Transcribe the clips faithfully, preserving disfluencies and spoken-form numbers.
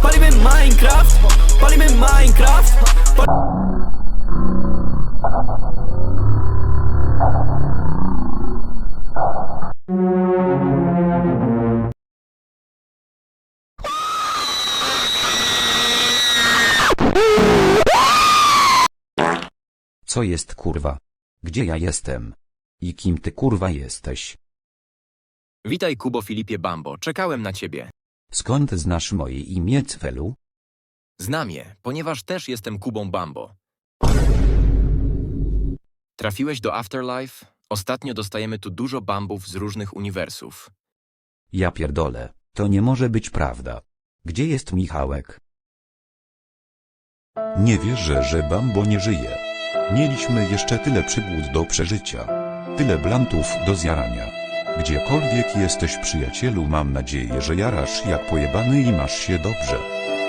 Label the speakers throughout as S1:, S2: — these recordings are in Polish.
S1: Palimy Minecraft, palimy Minecraft.
S2: Co jest kurwa? Gdzie ja jestem? I kim ty kurwa jesteś?
S3: Witaj Kubo Filipie Bambo, czekałem na ciebie.
S2: Skąd znasz moje imię Cfelu?
S3: Znam je, ponieważ też jestem Kubą Bambo. Trafiłeś do Afterlife? Ostatnio dostajemy tu dużo bambów z różnych uniwersów.
S2: Ja pierdolę, to nie może być prawda. Gdzie jest Michałek?
S4: Nie wierzę, że Bambo nie żyje. Mieliśmy jeszcze tyle przygód do przeżycia. Tyle blantów do zjarania. Gdziekolwiek jesteś, przyjacielu, mam nadzieję, że jarasz jak pojebany i masz się dobrze.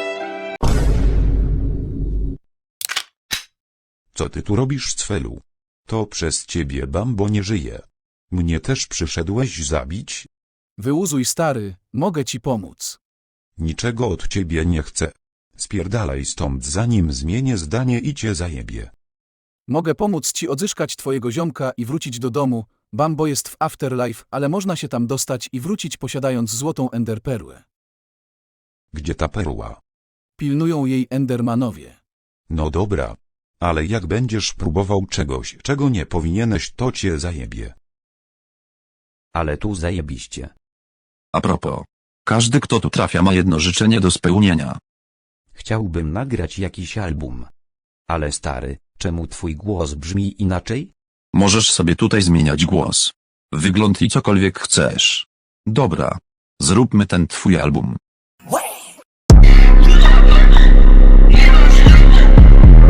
S4: Co ty tu robisz, Cfelu? To przez ciebie Bambo nie żyje. Mnie też przyszedłeś zabić?
S5: Wyłuzuj, stary, mogę ci pomóc.
S4: Niczego od ciebie nie chcę. Spierdalaj stąd, zanim zmienię zdanie i cię zajebie.
S5: Mogę pomóc ci odzyskać twojego ziomka i wrócić do domu. Bambo jest w Afterlife, ale można się tam dostać i wrócić posiadając złotą enderperłę.
S4: Gdzie ta perła?
S5: Pilnują jej endermanowie.
S4: No dobra. Ale jak będziesz próbował czegoś, czego nie powinieneś, to cię zajebie.
S2: Ale tu zajebiście.
S6: A propos. Każdy, kto tu trafia, ma jedno życzenie do spełnienia.
S2: Chciałbym nagrać jakiś album. Ale stary, czemu twój głos brzmi inaczej?
S6: Możesz sobie tutaj zmieniać głos, wygląd i cokolwiek chcesz. Dobra. Zróbmy ten twój album.